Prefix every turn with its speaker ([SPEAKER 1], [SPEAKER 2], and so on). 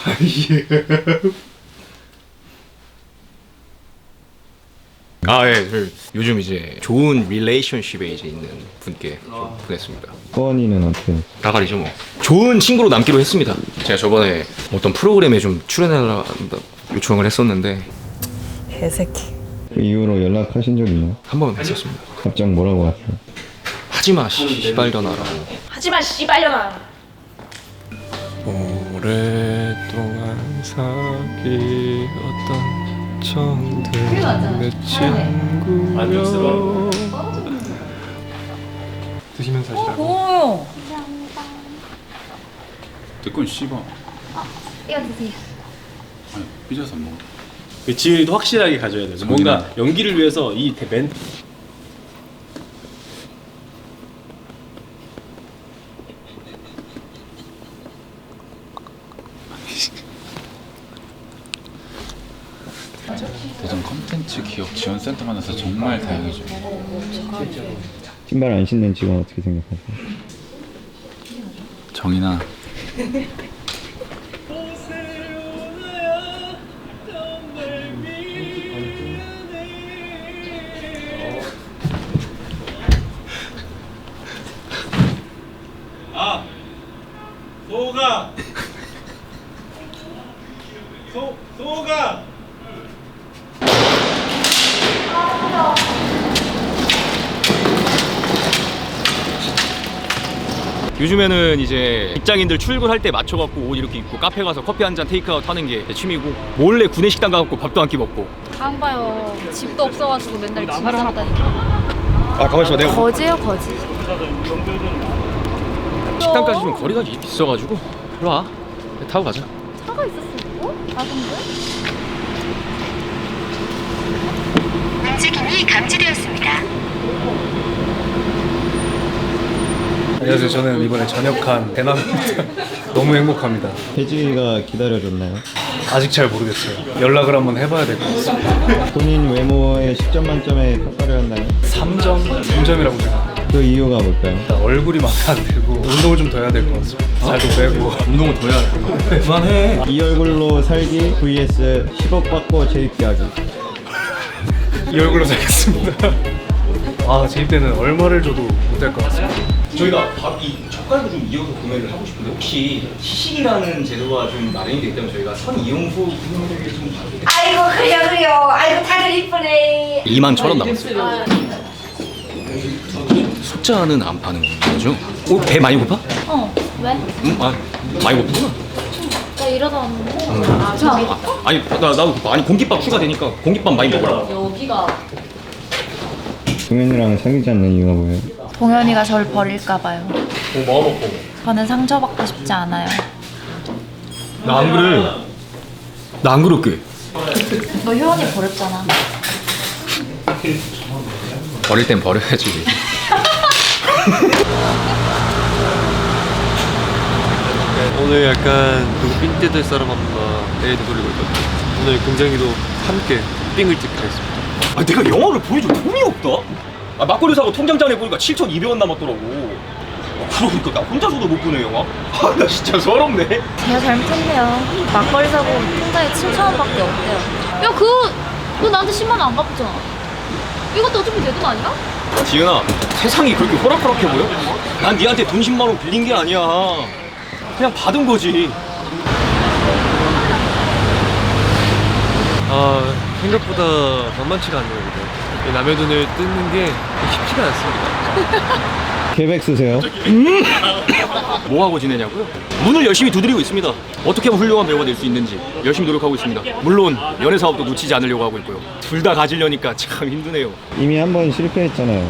[SPEAKER 1] 예. 요즘 이제 좋은 릴레이션십에 이제 있는 분께 좀 보냈습니다.
[SPEAKER 2] 호원이는 어떻게?
[SPEAKER 1] 다가리죠 뭐. 좋은 친구로 남기로 했습니다. 제가 저번에 어떤 프로그램에 좀 출연해달라 요청을 했었는데
[SPEAKER 3] 개새끼.
[SPEAKER 2] 그 이후로 연락하신 적 있나요?
[SPEAKER 1] 한 번 했었습니다.
[SPEAKER 2] 답장 뭐라고 하세요?
[SPEAKER 1] 하지마 씨발려나라고.
[SPEAKER 3] 하지마 씨발려나.
[SPEAKER 4] 오랫동안 사귀었던 정든 내 친구여. 드시면서 하시라고.
[SPEAKER 3] 고마워요.
[SPEAKER 5] 내건 씹어.
[SPEAKER 6] 이거 드세요.
[SPEAKER 5] 아니, 삐져서 안 먹어.
[SPEAKER 7] 그 지은이도 확실하게 가져야 돼요. 뭔가 연기를 위해서 이 멘트
[SPEAKER 5] 대전 컨텐츠 기업 지원센터 만나서 정말 다행이죠.
[SPEAKER 2] 신발 안 신는 직원 어떻게 생각하세요?
[SPEAKER 5] 정인아.
[SPEAKER 7] 소가
[SPEAKER 1] 요즘에는 이제 직장인들 출근할 때 맞춰갖고 옷 이렇게 입고 카페 가서 커피 한 잔 테이크아웃 하는 게 제 취미고, 몰래 구내식당 가갖고 밥도 한 끼 먹고.
[SPEAKER 6] 안 봐요. 집도 없어가지고 맨날 짐 싸고 다니고.
[SPEAKER 1] 아 가만있어, 내가
[SPEAKER 6] 거지요 거지.
[SPEAKER 1] 식당까지 좀 거리가 있어가지고. 일로 와, 타고 가자.
[SPEAKER 6] 차가 있었어 이거? 작은데?
[SPEAKER 8] 움직임이 감지되었습니다.
[SPEAKER 4] 안녕하세요. 저는 이번에 전역한 대남입니다. 너무 행복합니다.
[SPEAKER 2] 혜지가 기다려줬나요?
[SPEAKER 4] 아직 잘 모르겠어요. 연락을 한번 해봐야 될 것 같습니다.
[SPEAKER 2] 본인 외모에 10점 만점에 평가를 한다면?
[SPEAKER 4] 3점이라고 생각합니다.
[SPEAKER 2] 그 이유가 뭘까요?
[SPEAKER 4] 일단 얼굴이 마음에 안 들고 운동을 좀 더 해야 될 것 같습니다. 살도 빼고.
[SPEAKER 1] 운동을 더 해야 돼. 그만해.
[SPEAKER 2] 이 얼굴로 살기 vs 10억 받고 재입기하기.
[SPEAKER 4] 이 얼굴로 살겠습니다. 아, 재입 때는 얼마를 줘도 못 될 것 같습니다.
[SPEAKER 1] 저희가 이 젓갈도 좀 이어서 구매를 하고 싶은데, 혹시 시식이라는 제도가 좀 마련이 되기 때문에 저희가 선 이용수 분들에게 좀
[SPEAKER 8] 아이고 그래요. 아이고 다들 이쁘네.
[SPEAKER 1] 21,000원 남았어요. 숫자는 안 파는 거죠? 배 많이 고파?
[SPEAKER 6] 왜?
[SPEAKER 1] 많이 고프구나.
[SPEAKER 6] 나 이러다 왔는데. 아 저기.
[SPEAKER 1] 아니 나도 고파. 아니 공깃밥 추가되니까 공깃밥 많이 먹어라.
[SPEAKER 6] 여기가.
[SPEAKER 2] 동현이랑 사귀지 않는 이유가 뭐예요?
[SPEAKER 3] 동현이가 절 버릴까봐요.
[SPEAKER 1] 뭐 먹고?
[SPEAKER 3] 저는 상처받고 싶지 않아요.
[SPEAKER 1] 나 안 그래. 나 안 그럴게.
[SPEAKER 3] 너 효원이 버렸잖아.
[SPEAKER 1] 버릴 땐 버려야지.
[SPEAKER 4] 오늘 약간 누구 삥 뜯을 사람 한번 애도 돌리고 있거든요. 오늘 굉장히도 함께 삥을 뜯기로 했습니다.
[SPEAKER 1] 아 내가 영화를 보여줄 돈이 없다. 아 막걸리 사고 통장잔에 보니까 7,200원 남았더라고. 그러니까 나 혼자서도 못 보네 영화. 아 나 진짜 서럽네.
[SPEAKER 3] 제가 잘못했네요. 막걸리 사고 통장에 7,000원밖에 없대요.
[SPEAKER 6] 야 그거 나한테 10만 원 안 갚았잖아. 이것도 어차피 내 돈 아니야?
[SPEAKER 1] 지은아, 세상이 그렇게 호락호락해 보여? 난 니한테 돈 10만 원 빌린 게 아니야. 그냥 받은 거지.
[SPEAKER 4] 아, 생각보다 만만치가 않네요. 이거. 이 남의 돈을 뜯는 게 쉽지가 않습니다.
[SPEAKER 2] 계획 쓰세요?
[SPEAKER 1] 뭐 하고 지내냐고요? 문을 열심히 두드리고 있습니다. 어떻게 하면 훌륭한 배우가 될 수 있는지 열심히 노력하고 있습니다. 물론 연애 사업도 놓치지 않으려고 하고 있고요. 둘 다 가지려니까 참 힘드네요.
[SPEAKER 2] 이미 한 번 실패했잖아요.